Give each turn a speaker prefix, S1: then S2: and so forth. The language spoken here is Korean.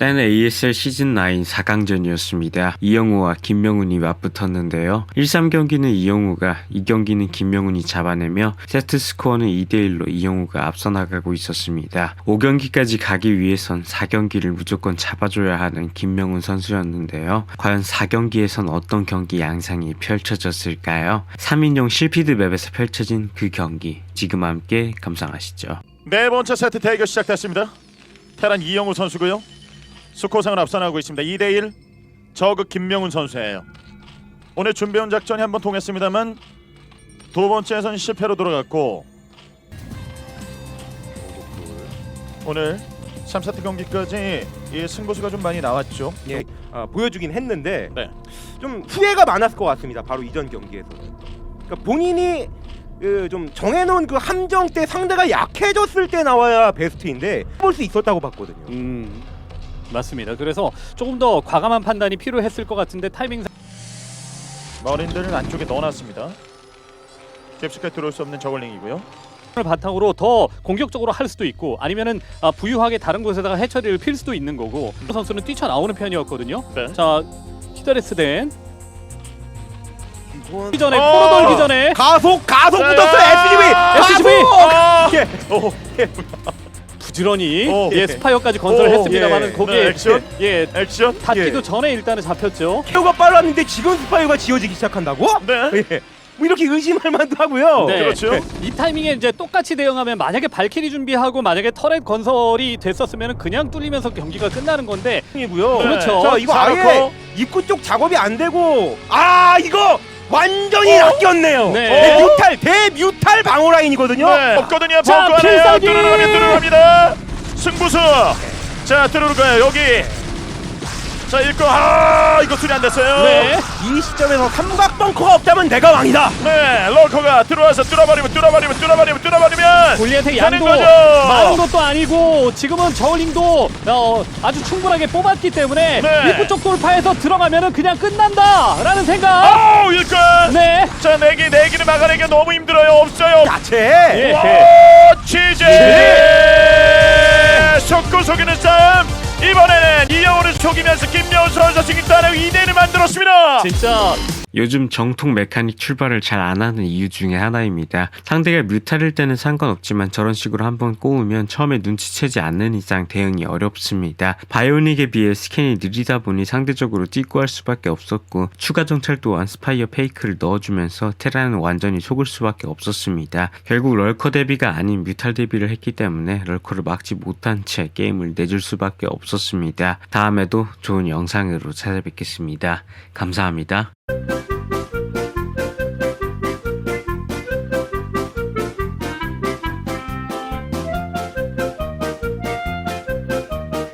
S1: 일단 ASL 시즌9 4강전이었습니다. 이영우와 김명훈이 맞붙었는데요. 1-3경기는 이영우가, 2경기는 김명훈이 잡아내며 세트 스코어는 2대1로 이영우가 앞서 나가고 있었습니다. 5경기까지 가기 위해선 4경기를 무조건 잡아줘야 하는 김명훈 선수였는데요. 과연 4경기에선 어떤 경기 양상이 펼쳐졌을까요? 3인용 실피드 맵에서 펼쳐진 그 경기, 지금 함께 감상하시죠.
S2: 네 번째 세트 대결 시작됐습니다. 테란 이영우 선수고요. 스코어상을 앞서나가고 있습니다. 2대1 저그 김명훈 선수예요. 오늘 준비해온 작전이 한번 통했습니다만 두 번째에서는 실패로 돌아갔고 오늘 3세트 경기까지 이 승부수가 좀 많이 나왔죠.
S3: 예, 보여주긴 했는데
S2: 네.
S3: 좀 후회가 많았을 것 같습니다. 바로 이전 경기에서. 그러니까 본인이 좀 정해놓은 그 함정 때 상대가 약해졌을 때 나와야 베스트인데 볼 수 있었다고 봤거든요.
S4: 맞습니다. 그래서 조금 더 과감한 판단이 필요했을 것 같은데 타이밍상
S2: 머린들을 안쪽에 넣어놨습니다. 깊숙하게 들어올 수 없는 저글링이고요.
S4: 바탕으로 더 공격적으로 할 수도 있고 아니면은 부유하게 다른 곳에다가 해처리를 필 수도 있는 거고 선수는 뛰쳐나오는 편이었거든요.
S2: 네.
S4: 자, 히더레스덴
S3: 이건
S4: 이전에 코로 돌기 전에
S3: 가속 붙었어. SCV.
S4: 부지런히
S2: 예.
S4: 스파이어까지 건설했습니다만은 거기에
S2: 네, 액션.
S4: 닿기도
S3: 예.
S4: 전에 일단은 잡혔죠.
S3: 케어가 빨랐는데 지금 스파이어가 지어지기 시작한다고?
S2: 네.
S3: 예. 뭐 이렇게 의심할 만도 하고요.
S4: 네.
S2: 그렇죠.
S4: 이 타이밍에 이제 똑같이 대응하면 만약에 발키리 준비하고 만약에 터렛 건설이 됐었으면 그냥 뚫리면서 경기가 끝나는 건데
S3: 이고요.
S4: 그렇죠.
S3: 자, 이거
S2: 자,
S3: 아예
S2: 넣고.
S3: 입구 쪽 작업이 안 되고 이거 완전히 낚였네요.
S4: 네.
S3: 대뮤탈 방어 라인이거든요.
S2: 네. 없거든요.
S4: 자,
S2: 벙커 안에요.
S4: 필살기!
S2: 들어갑니다. 승부수. 자, 들어올까요? 여기. 자, 읽고 이거 수리 안 됐어요.
S4: 네.
S3: 이 시점에서 삼각 벙커가 없다면 내가 왕이다.
S2: 네, 럴커가 들어와서 뚫어버리면
S4: 골리앗의
S2: 되는
S4: 양도
S2: 거죠.
S4: 많은 것도 아니고 지금은 저울링도 아주 충분하게 뽑았기 때문에
S2: 네.
S4: 입구 쪽 돌파해서 들어가면은 그냥 끝난다라는 생각.
S2: 일꾼.
S4: 네.
S2: 자, 내기를 막아내기가 너무 힘들어요. 없어요.
S3: 야채.
S4: 예.
S2: 와, 취재. 속고 속이는 싸움. 이번에는 이영호를 속이면서 김명훈 선수 승리단의 2대1을 만들었습니다.
S4: 진짜
S1: 요즘 정통 메카닉 출발을 잘 안 하는 이유 중에 하나입니다. 상대가 뮤탈일 때는 상관없지만 저런 식으로 한번 꼬우면 처음에 눈치채지 않는 이상 대응이 어렵습니다. 바이오닉에 비해 스캔이 느리다 보니 상대적으로 띠꾸할 수밖에 없었고 추가 정찰 또한 스파이어 페이크를 넣어주면서 테라는 완전히 속을 수밖에 없었습니다. 결국 럴커 대비가 아닌 뮤탈 대비를 했기 때문에 럴커를 막지 못한 채 게임을 내줄 수밖에 없었습니다. 다음에도 좋은 영상으로 찾아뵙겠습니다. 감사합니다.